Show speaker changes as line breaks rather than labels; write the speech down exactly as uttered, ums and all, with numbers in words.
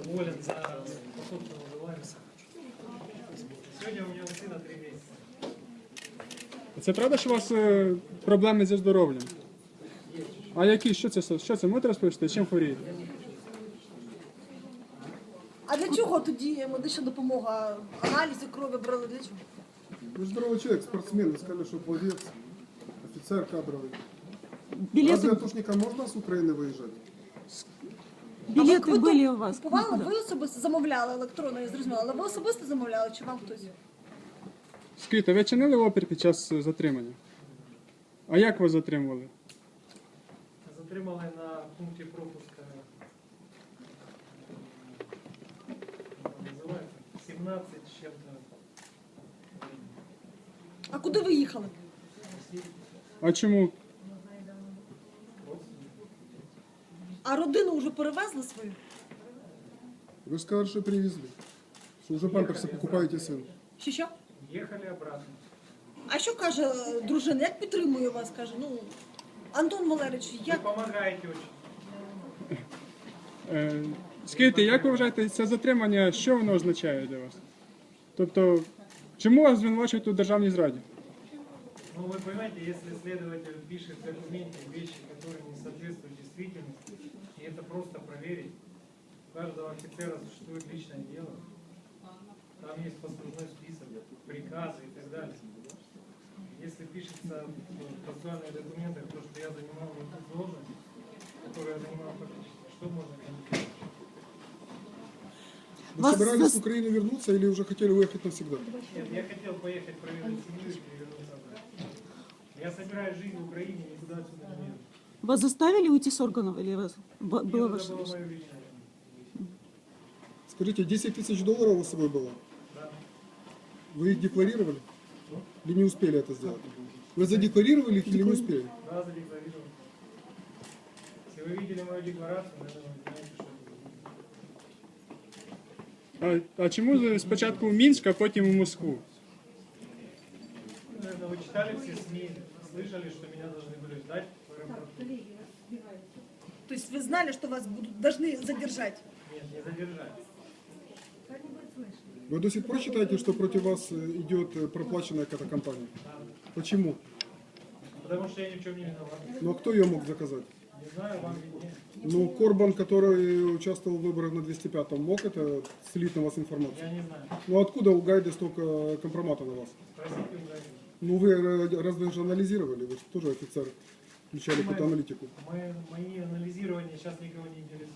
уволен за пособственную выбываемость. Сегодня у меня у сына три месяца.
Це правда, що у вас е, проблеми зі здоров'ям? А які? Що це? Що це? Можете розповісти? Чим хворієте?
А для чого тоді медична допомога? Аналізи крові брали для чого?
Вы же здоровый человек, спортсмен, вы сказали, что пловец, офицер кадровый.
Билеты,
Разве атошникам можно с Украины выезжать?
билеты
ви
были
тут
у вас?
Купували,
Куда?
ви особисто замовляли електронно, я зрозуміла, але ви особисто замовляли чи вам хтось?
Скажіть, а ви чинили опір під час е, затримання? А як вас затримували?
Затримали на пункте пропуска как называется, семнадцать с чем-то.
А куди ви їхали?
А чому?
А родину вже перевезли свою?
Вы же сказали, что привезли. Что уже памперсы покупаете сыну.
Чи що?
Ехали обратно.
А що каже е, дружина? Як підтримує вас? Каже, ну, Антон Валерійович,
Вы
як?
помогаете очень.
Е, скажіть, як ви вважаєте, це затримання, що воно означає для вас? Тобто, чому вас звинувачують у державній зраді?
Ну, вы понимаете, если следователь пишет в документе вещи, которые не соответствуют действительности, и это просто проверить, у каждого офицера существует личное дело, там есть послужной список, приказы и так далее. Если пишется в процессуальных документах то, что я занимал не ту должность, которую я занимал фактически, что можно комментировать?
Вы
Вас
собирались
зас-
в Украину вернуться или уже хотели уехать навсегда?
Нет, я хотел поехать проверить семью и вернуться обратно. Я собираюсь жить в Украине, никуда отсюда не еду.
Вас заставили уйти с органов или вас б-
Нет,
было
это
ваше
было
решение?
мое личное.
Скажите, десять тысяч долларов у вас с собой было?
Да.
Вы их декларировали? Или не успели это сделать? Вы задекларировали их или не успели?
Да, задекларировал. Если вы видели мою декларацию, наверное, вы понимаете, что это за
А, а чому ви спочатку в Мінськ, а потім у Москву?
Ну, наверное, вы читали все СМИ, слышали, что меня должны были ждать в аэропорту.
Тобто ви знали, що вас будуть, должны задержати?
Нет, не задержать.
Вы до сих пор считаете, что против вас э, идет э, проплаченная какая-то компания? Почему?
Потому что я ни в чем не виноват.
Ну а кто ее мог заказать?
Не знаю, вам виднее.
Ну, Корбан, который участвовал в выборах на двести пятом, мог это слить на вас информацию?
Я не знаю.
Ну откуда у Гайда столько компромата на вас?
Спросите у Гайдина.
Ну вы э, разве же анализировали? Вы же тоже офицер, включали какую-то аналитику.
Мы, мои анализирования сейчас никого не интересуют.